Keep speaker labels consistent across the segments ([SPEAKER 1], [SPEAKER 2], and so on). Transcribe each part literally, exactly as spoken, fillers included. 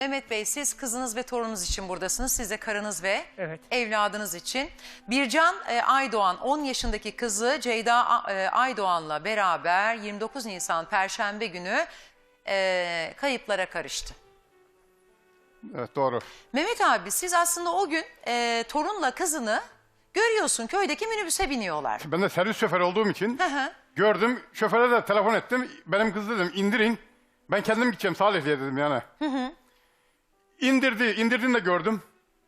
[SPEAKER 1] Mehmet Bey, siz kızınız ve torununuz için buradasınız. Siz de karınız ve
[SPEAKER 2] Evet.
[SPEAKER 1] evladınız için. Bircan e, Aydoğan on yaşındaki kızı Ceyda e, Aydoğan'la beraber yirmi dokuz Nisan Perşembe günü e, kayıplara karıştı.
[SPEAKER 3] Evet, doğru.
[SPEAKER 1] Mehmet abi, siz aslında o gün e, torunla kızını görüyorsun, köydeki minibüse biniyorlar.
[SPEAKER 3] Ben de servis şoförü olduğum için
[SPEAKER 1] Hı hı.
[SPEAKER 3] gördüm. Şoföre de telefon ettim. Benim kız dedim indirin. Ben kendim gideceğim Salihli'ye dedim yani. Hı hı. İndirdi. İndirdiğini de gördüm.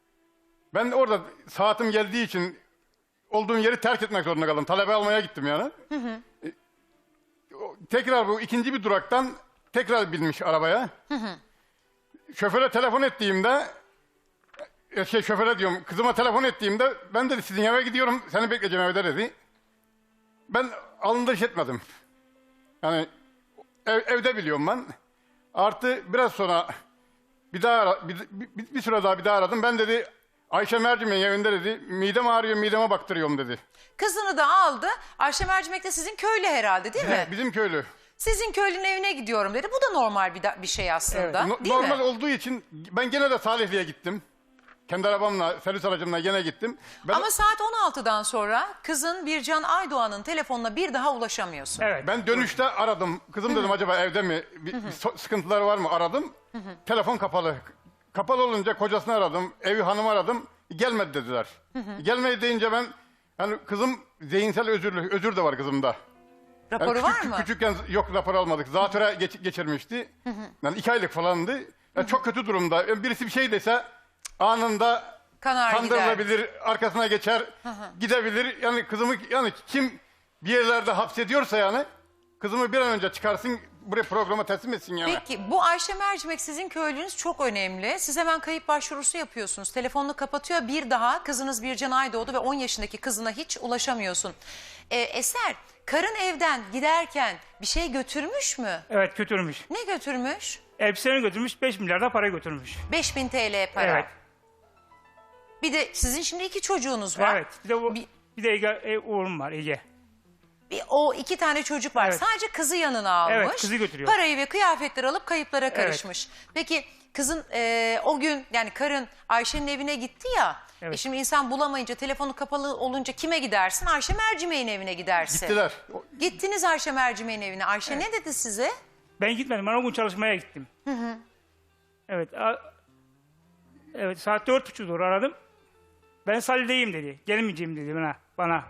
[SPEAKER 3] Ben de orada saatim geldiği için olduğum yeri terk etmek zorunda kaldım. Talebe almaya gittim yani. Hı hı. Tekrar bu ikinci bir duraktan tekrar binmiş arabaya. Hı hı. Şoföre telefon ettiğimde şey şoföre diyorum kızıma telefon ettiğimde ben dedi sizin eve gidiyorum seni bekleyeceğim evde dedi. Ben alındırış etmedim. Yani ev, evde biliyorum ben. Artı biraz sonra bir daha ara, bir, bir, bir süre daha bir daha aradım. Ben dedi Ayşe Mercimek'in evinde dedi midem ağrıyor mideme baktırıyorum dedi.
[SPEAKER 1] Kızını da aldı. Ayşe Mercimek de sizin köylü herhalde, değil mi?
[SPEAKER 3] He, bizim köylü.
[SPEAKER 1] Sizin köylünün evine gidiyorum dedi. Bu da normal bir, da- bir şey aslında.
[SPEAKER 3] No-
[SPEAKER 1] Değil
[SPEAKER 3] normal
[SPEAKER 1] mi?
[SPEAKER 3] olduğu için ben gene de Salihli'ye gittim. Kendi arabamla, servis aracımla gene gittim. Ben,
[SPEAKER 1] Ama saat on altıdan sonra kızın Bircan Aydoğan'ın telefonuna bir daha ulaşamıyorsun.
[SPEAKER 2] Evet.
[SPEAKER 3] ben dönüşte aradım. Kızım dedim acaba evde mi? Bir, bir so- sıkıntıları var mı? Aradım. Telefon kapalı. Kapalı olunca kocasını aradım. Evi hanımı aradım. Gelmedi dediler. Gelmedi deyince ben yani kızım zihinsel özürlü, özür de var kızımda. Yani
[SPEAKER 1] Raporu
[SPEAKER 3] küçük-
[SPEAKER 1] var mı?
[SPEAKER 3] Küçükken yok rapor almadık. Zatüre geç- geçirmişti. Yani iki aylık falandı. Yani çok kötü durumda. Yani birisi bir şey dese anında
[SPEAKER 1] Kanar
[SPEAKER 3] kandırılabilir, arkasına geçer, gidebilir. Yani kızımı yani kim bir yerlerde hapsediyorsa yani kızımı bir an önce çıkarsın buraya programa teslim etsin yani.
[SPEAKER 1] Peki bu Ayşe Mercimek sizin köylünüz çok önemli. Siz hemen kayıp başvurusu yapıyorsunuz. Telefonunu kapatıyor, bir daha kızınız Bircan Aydoğdu ve on yaşındaki kızına hiç ulaşamıyorsun. Ee, Eser, karın evden giderken bir şey götürmüş mü?
[SPEAKER 2] Evet, götürmüş.
[SPEAKER 1] Ne götürmüş?
[SPEAKER 2] Elbiselerini götürmüş, beş milyar da para götürmüş.
[SPEAKER 1] beş bin T L para.
[SPEAKER 2] Evet.
[SPEAKER 1] Bir de sizin şimdi iki çocuğunuz var.
[SPEAKER 2] Evet. Bir de, bu,
[SPEAKER 1] Bir-
[SPEAKER 2] bir de Ege, e, oğlum var Ege.
[SPEAKER 1] Bir, o iki tane çocuk var.
[SPEAKER 2] Evet.
[SPEAKER 1] Sadece kızı yanına almış.
[SPEAKER 2] Evet, kızı götürüyor.
[SPEAKER 1] Parayı ve kıyafetleri alıp kayıplara karışmış. Peki kızın e, o gün yani karın Ayşe'nin evine gitti ya.
[SPEAKER 2] Evet.
[SPEAKER 1] E şimdi insan bulamayınca telefonu kapalı olunca kime gidersin? Ayşe Mercimek'in evine gidersin.
[SPEAKER 3] Gittiler. O-
[SPEAKER 1] Gittiniz Ayşe Mercimek'in evine. Ayşe ne dedi size?
[SPEAKER 2] Ben gitmedim, ben o gün çalışmaya gittim. Hı hı. Evet. A, evet, saat dört buçuk doğru aradım. Ben Salih'deyim dedi. Gelmeyeceğim dedi bana. bana.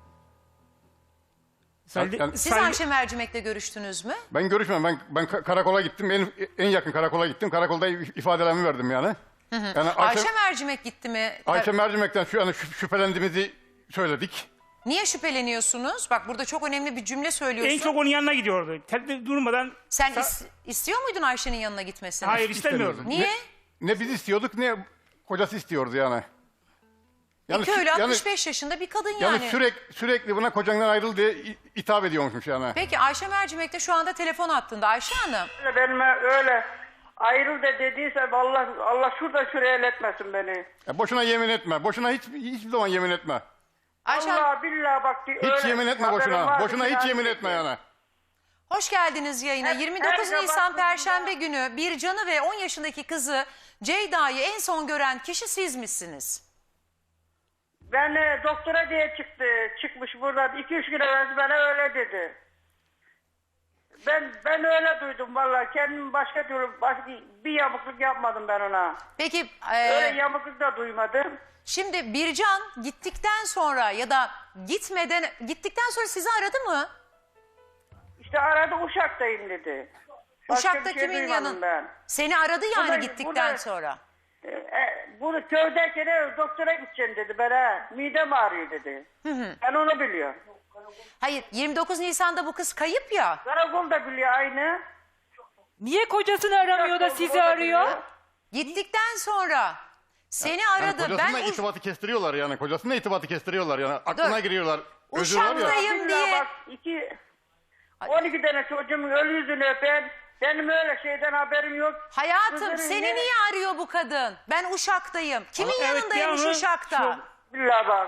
[SPEAKER 2] Salih,
[SPEAKER 3] Yani-
[SPEAKER 1] Siz
[SPEAKER 2] Salih-
[SPEAKER 1] Ayşe Mercimek'le görüştünüz mü?
[SPEAKER 3] Ben görüşmem. Ben ben ka- karakola gittim. En, en yakın karakola gittim. Karakolda ifadelerimi verdim yani. Yani Ayşe,
[SPEAKER 1] Ayşe Mercimek gitti mi?
[SPEAKER 3] Ayşe Mercimek'ten şu an şüp- şüphelendiğimizi söyledik.
[SPEAKER 1] Niye şüpheleniyorsunuz? Bak burada çok önemli bir cümle söylüyorsun.
[SPEAKER 2] en çok onun yanına gidiyordu. Tel- durmadan...
[SPEAKER 1] Sen
[SPEAKER 2] Sa-
[SPEAKER 1] is- istiyor muydun Ayşe'nin yanına gitmesini?
[SPEAKER 2] Hayır, istemiyordum.
[SPEAKER 1] Niye?
[SPEAKER 3] Ne biz istiyorduk ne kocası istiyordu yani.
[SPEAKER 1] Yani,
[SPEAKER 3] sü-
[SPEAKER 1] köylü
[SPEAKER 3] yani-
[SPEAKER 1] altmış beş yaşında bir kadın yani.
[SPEAKER 3] Yani sürekli sürekli buna kocandan ayrıl diye i- hitap ediyormuşmuş yani.
[SPEAKER 1] Peki Ayşe Mercimek de şu anda telefon hattında. Ayşe Hanım.
[SPEAKER 4] Benim öyle ayrıl da dediyse Allah Allah şurada şuraya etmesin beni.
[SPEAKER 3] Ya boşuna yemin etme. Boşuna hiç hiçbir zaman yemin etme.
[SPEAKER 1] Ayşe Hanım
[SPEAKER 4] Allah billahi bak.
[SPEAKER 3] Hiç yemin etme boşuna. Boşuna hiç yemin etme yani.
[SPEAKER 1] hoş geldiniz yayına.
[SPEAKER 4] Hep-
[SPEAKER 1] yirmi dokuz
[SPEAKER 4] her
[SPEAKER 1] Nisan
[SPEAKER 4] sabah
[SPEAKER 1] Perşembe günü Bircan'ı ve on yaşındaki kızı Ceyda'yı en son gören kişi siz misiniz?
[SPEAKER 4] Ben e, doktora diye çıktı. Çıkmış buradan. iki üç gün evvel bana öyle dedi. Ben ben öyle duydum vallahi. Kendim başka türlü başka bir yamukluk yapmadım ben ona.
[SPEAKER 1] Peki
[SPEAKER 4] Öyle
[SPEAKER 1] e,
[SPEAKER 4] yamukluk da duymadım.
[SPEAKER 1] şimdi Bircan gittikten sonra ya da gitmeden gittikten sonra sizi aradı mı?
[SPEAKER 4] İşte arada Uşak'tayım dedi. Başka
[SPEAKER 1] Uşak'ta
[SPEAKER 4] bir şey
[SPEAKER 1] kimin
[SPEAKER 4] duymadım
[SPEAKER 1] yanın?
[SPEAKER 4] ben.
[SPEAKER 1] Seni aradı yani
[SPEAKER 4] Bu da-
[SPEAKER 1] gittikten
[SPEAKER 4] bu da-
[SPEAKER 1] sonra.
[SPEAKER 4] E, e, bunu köydeyken e, doktora gideceğim dedi bana. Midem ağrıyor dedi. Ben onu biliyorum.
[SPEAKER 1] Hayır, yirmi dokuz Nisan'da bu kız kayıp ya.
[SPEAKER 4] Karakol da biliyor aynı.
[SPEAKER 5] Niye kocasını aramıyor da sizi arıyor?
[SPEAKER 1] Gittikten sonra seni
[SPEAKER 3] Yani
[SPEAKER 1] aradı.
[SPEAKER 3] kocasına
[SPEAKER 1] Ben Uş-
[SPEAKER 3] itibatı kestiriyorlar yani. Kocasına itibatı kestiriyorlar yani. Aklına
[SPEAKER 1] Dur.
[SPEAKER 3] giriyorlar. Özür var ya.
[SPEAKER 1] Uşak'tayım
[SPEAKER 4] Billahi
[SPEAKER 1] diye.
[SPEAKER 4] bak iki, on iki tane çocuğumun ölü yüzünü öpen. Benim öyle şeyden haberim yok.
[SPEAKER 1] Hayatım
[SPEAKER 4] Kızların
[SPEAKER 1] seni
[SPEAKER 4] ne-
[SPEAKER 1] niye arıyor bu kadın? Ben Uşak'tayım. Kimin
[SPEAKER 2] Ama evet,
[SPEAKER 1] yanındaymış
[SPEAKER 2] bir an-
[SPEAKER 1] Uşak'ta?
[SPEAKER 2] Şu-
[SPEAKER 4] Billahi bak.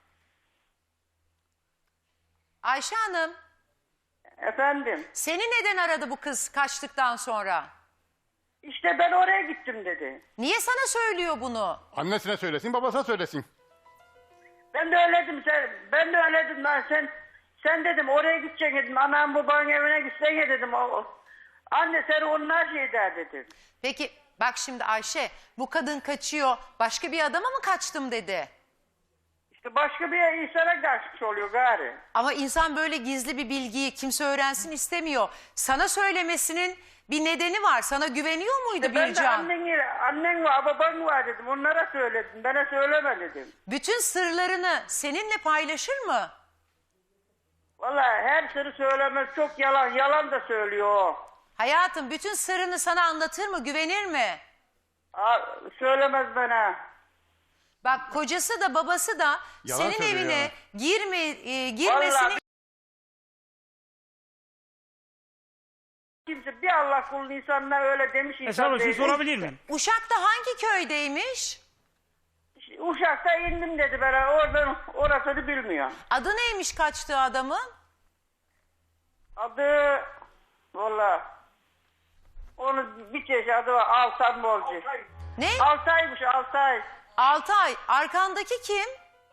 [SPEAKER 1] Ayşe Hanım,
[SPEAKER 4] Efendim.
[SPEAKER 1] seni neden aradı bu kız kaçtıktan sonra?
[SPEAKER 4] İşte ben oraya gittim dedi.
[SPEAKER 1] Niye sana söylüyor bunu?
[SPEAKER 3] Annesine söylesin, babasına söylesin.
[SPEAKER 4] Ben de öyle dedim. Sen, ben de öyle dedim. Ben sen, sen dedim oraya gideceksin dedim. Anam babanın evine gitsen ya dedim. O, o- anne seni onlar şey der dedim.
[SPEAKER 1] Peki bak şimdi Ayşe, bu kadın kaçıyor, başka bir adama mı kaçtım dedi.
[SPEAKER 4] İşte başka bir insana kaçmış oluyor gari.
[SPEAKER 1] Ama insan böyle gizli bir bilgiyi kimse öğrensin istemiyor. Sana söylemesinin bir nedeni var. Sana güveniyor muydu
[SPEAKER 4] Ben de
[SPEAKER 1] Bircan?
[SPEAKER 4] annen, annen var baban var dedim. Onlara söyledim. Bana söyleme dedim.
[SPEAKER 1] Bütün sırlarını seninle paylaşır mı?
[SPEAKER 4] Vallahi her sırrı söylemez. Çok yalan. Yalan da söylüyor o.
[SPEAKER 1] Hayatım bütün sırrını sana anlatır mı? Güvenir mi?
[SPEAKER 4] Aa, söylemez bana.
[SPEAKER 1] Bak kocası da babası da
[SPEAKER 3] Yalan
[SPEAKER 1] senin
[SPEAKER 3] söylüyor
[SPEAKER 1] evine
[SPEAKER 3] ya.
[SPEAKER 1] girme, e, girmesini...
[SPEAKER 4] Vallahi kimse bir Allah kulun insanına öyle demiş
[SPEAKER 2] Esra
[SPEAKER 4] insan
[SPEAKER 2] abla şunu
[SPEAKER 4] değil.
[SPEAKER 2] sorabilir miyim?
[SPEAKER 1] Uşak'ta hangi köydeymiş?
[SPEAKER 4] Uşak'ta indim dedi bana. Oradan orasını bilmiyor.
[SPEAKER 1] Adı neymiş kaçtığı adamın?
[SPEAKER 4] Adı valla onun bir çeşit adı var. Altan Bolcu.
[SPEAKER 1] Ne?
[SPEAKER 4] Altay'mış Altay.
[SPEAKER 1] Altay. Arkandaki kim?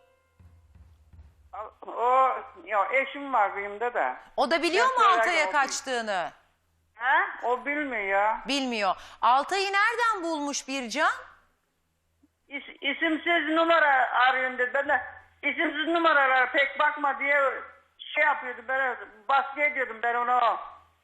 [SPEAKER 4] O ya eşim var benim de de.
[SPEAKER 1] O da biliyor
[SPEAKER 4] Ben
[SPEAKER 1] mu
[SPEAKER 4] söyler
[SPEAKER 1] Altay'a
[SPEAKER 4] oldum.
[SPEAKER 1] kaçtığını?
[SPEAKER 4] Ha? O bilmiyor ya.
[SPEAKER 1] Bilmiyor. Altay'ı nereden bulmuş Bircan?
[SPEAKER 4] İs, isimsiz numara arıyorum dedi. Ben de isimsiz numaralara pek bakma diye şey yapıyordu. Ben baskı ediyordum ben onu.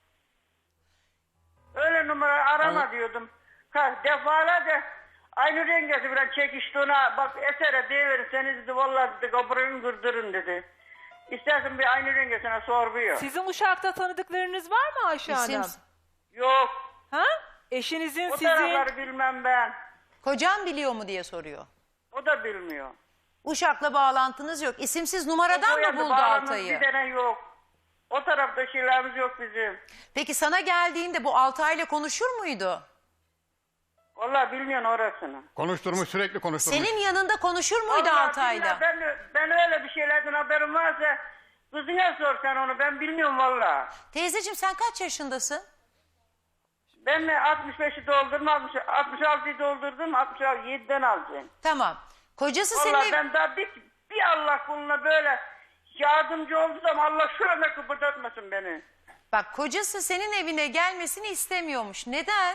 [SPEAKER 4] Öyle numara arama
[SPEAKER 3] Ama-
[SPEAKER 4] diyordum. Ka- Defalarca aynı rengesi biraz çekişti ona. Bak esere deyiverin seni dedi. Vallahi dedi kabuğunu kırdırın dedi. İstersen bir aynı rengesine sormuyor.
[SPEAKER 5] Sizin Uşak'ta tanıdıklarınız var mı Ayşe
[SPEAKER 1] İsim-
[SPEAKER 5] Hanım?
[SPEAKER 4] Yok.
[SPEAKER 5] Ha? Eşinizin
[SPEAKER 4] O
[SPEAKER 5] sizin...
[SPEAKER 4] tarafları bilmem ben.
[SPEAKER 1] Kocan biliyor mu diye soruyor.
[SPEAKER 4] O da bilmiyor.
[SPEAKER 1] Uşak'la bağlantınız yok. İsimsiz numaradan
[SPEAKER 4] O
[SPEAKER 1] mı
[SPEAKER 4] yanda
[SPEAKER 1] buldu
[SPEAKER 4] bağlamamız
[SPEAKER 1] Altay'ı?
[SPEAKER 4] Bir tane yok. O tarafta şeylerimiz yok bizim.
[SPEAKER 1] Peki sana geldiğinde bu Altay'la konuşur muydu?
[SPEAKER 4] Vallahi bilmiyorsun orasını.
[SPEAKER 3] Konuşturmuş, sürekli konuşturmuş.
[SPEAKER 1] Senin yanında konuşur muydu
[SPEAKER 4] Vallahi
[SPEAKER 1] Altay'la?
[SPEAKER 4] billahi Ben, ben öyle bir şeylerden haberim varsa kızına sor sen onu. Ben bilmiyorum vallahi.
[SPEAKER 1] Teyzeciğim sen kaç yaşındasın?
[SPEAKER 4] Ben mi altmış beşi doldurdum, altmış, altmış altıyı doldurdum, altmış yediden alacağım.
[SPEAKER 1] Tamam. Kocası
[SPEAKER 4] Vallahi
[SPEAKER 1] senin...
[SPEAKER 4] ben daha bir, bir Allah kuluna böyle yardımcı olduysam Allah şurada kıpırdatmasın beni.
[SPEAKER 1] Bak kocası senin evine gelmesini istemiyormuş. Neden?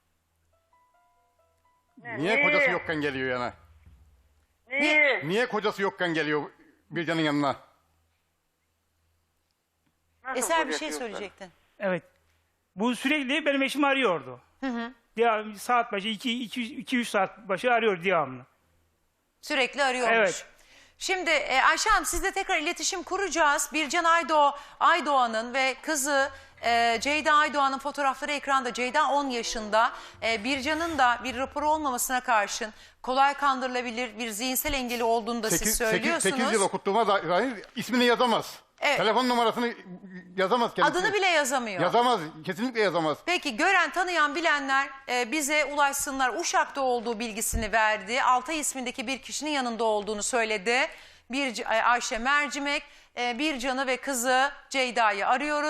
[SPEAKER 3] Niye kocası yokken geliyor yana?
[SPEAKER 4] Neyi?
[SPEAKER 3] Niye kocası yokken geliyor Bircan'ın yanına?
[SPEAKER 4] Nasıl
[SPEAKER 1] Eser bir
[SPEAKER 4] kocası
[SPEAKER 1] şey
[SPEAKER 4] yoksa?
[SPEAKER 1] söyleyecektin.
[SPEAKER 2] Evet. Bu sürekli benim eşim arıyordu. Hı hı. Saat başı iki üç saat başı arıyor devamlı.
[SPEAKER 1] Sürekli arıyormuş.
[SPEAKER 2] Evet.
[SPEAKER 1] Şimdi e, Ayşe Hanım sizle tekrar iletişim kuracağız. Bircan Aydoğ, Aydoğan'ın ve kızı e, Ceyda Aydoğan'ın fotoğrafları ekranda. Ceyda on yaşında. E, Bircan'ın da bir raporu olmamasına karşın kolay kandırılabilir bir zihinsel engeli olduğunu da siz söylüyorsunuz.
[SPEAKER 3] sekiz yıl okuttuğuma dair ismini yazamaz.
[SPEAKER 1] Evet.
[SPEAKER 3] Telefon numarasını yazamaz kendisi.
[SPEAKER 1] Adını bile yazamıyor.
[SPEAKER 3] Yazamaz, kesinlikle yazamaz.
[SPEAKER 1] Peki gören tanıyan bilenler e, bize ulaşsınlar. Uşak'ta olduğu bilgisini verdi. Altay ismindeki bir kişinin yanında olduğunu söyledi. Bir Ayşe Mercimek, e, Bircan'ı ve kızı Ceyda'yı arıyoruz.